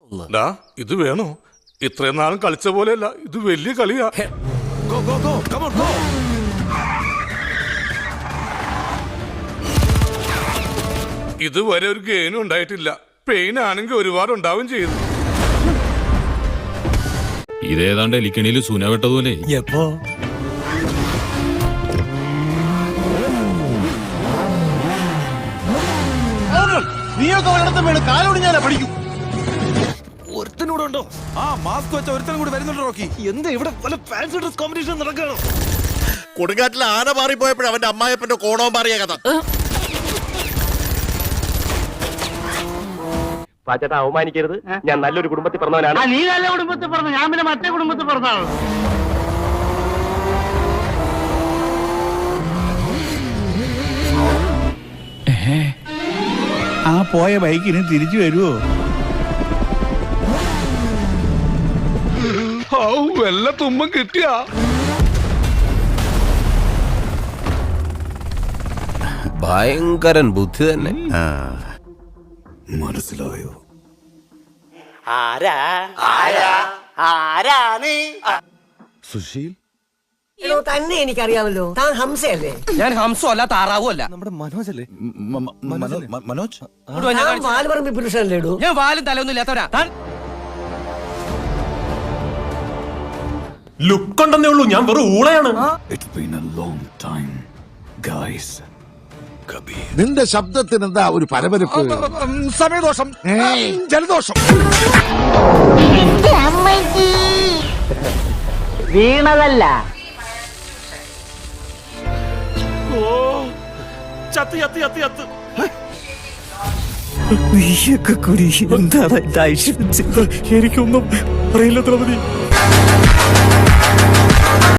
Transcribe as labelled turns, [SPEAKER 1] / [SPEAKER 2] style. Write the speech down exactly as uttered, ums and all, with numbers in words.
[SPEAKER 1] ഇത് വേണോ? ഇത്രയും നാളും കളിച്ച പോലെയല്ല, ഇത് വലിയ കളിയാ. ഇതുവരെ ഒരു ഗെയിനും ഉണ്ടായിട്ടില്ല. പെയിൻ ആണെങ്കിൽ ഒരുപാട് ഉണ്ടാവും ചെയ്തു.
[SPEAKER 2] ഇതേതാണ്ട് എലിക്കണിയിൽ സൂന വെട്ടതുപോലെ.
[SPEAKER 3] എപ്പോ നീയൊക്കെ ഒരിടത്തും വേണം കാലോട് ഞാൻ പഠിക്കും. ഒരുത്തനൂടുണ്ടോ? ആ മാസ്ക് വെച്ച ഒരുത്തനും കൂടി വരുന്നുണ്ട്. റോക്കി, എന്താ ഇവിടെ പല ഫാൻസി ഡ്രസ് കോമ്പറ്റീഷൻ നടക്കുകയാണ്.
[SPEAKER 4] കൊടുങ്കാറ്റിൽ ആന മാറിപ്പോയപ്പോഴും അവന്റെ അമ്മായപ്പന്റെ കോണവും മാറിയ കഥ.
[SPEAKER 5] പാച്ചേട്ടാ, അവമാനിക്കരുത്. ഞാൻ നല്ലൊരു കുടുംബത്തിൽ പറഞ്ഞവനാണ്.
[SPEAKER 6] നീ നല്ല കുടുംബത്തിൽ പറഞ്ഞു, ഞാൻ പിന്നെ മറ്റേ കുടുംബത്തിൽ പറഞ്ഞാണ്.
[SPEAKER 7] ആ പോയ ബൈക്കിന് തിരിച്ചു വരുവോ?
[SPEAKER 1] വല്ല തുമ്പം കിട്ടിയാ?
[SPEAKER 8] ഭയങ്കരൻ ബുദ്ധി തന്നെ.
[SPEAKER 7] മനസ്സിലായോ?
[SPEAKER 6] ആരാ ആരാ ആരാണ്?
[SPEAKER 7] സുശീൽ
[SPEAKER 9] തന്നെ എനിക്കറിയാമല്ലോ. താൻ ഹംസയല്ലേ?
[SPEAKER 5] ഞാൻ ഹംസോ അല്ല, താറാവോ അല്ല.
[SPEAKER 3] നമ്മുടെ മനോജ് അല്ലേ?
[SPEAKER 7] മനോജ്
[SPEAKER 9] വാൽപറമ്പി പുരുഷനല്ലേ?
[SPEAKER 5] ഞാൻ വാലും തലൊന്നും ഇല്ലാത്തവരാ.
[SPEAKER 4] ലുക്ക് ഉണ്ടെന്നേ ഉള്ളൂ, ഞാൻ വെറും ഊളയാണ്.
[SPEAKER 7] നിന്റെ ശബ്ദത്തിന് എന്താ ഒരു പരപരപ്പ്? സമയദോഷം, ജലദോഷം.
[SPEAKER 6] വീണതല്ല.
[SPEAKER 4] ചത്ത് ചത്ത് ചത്ത് ചത്ത്
[SPEAKER 3] നീയൊക്കെ കുരി എന്താണ്? എനിക്കൊന്നും അറിയില്ല.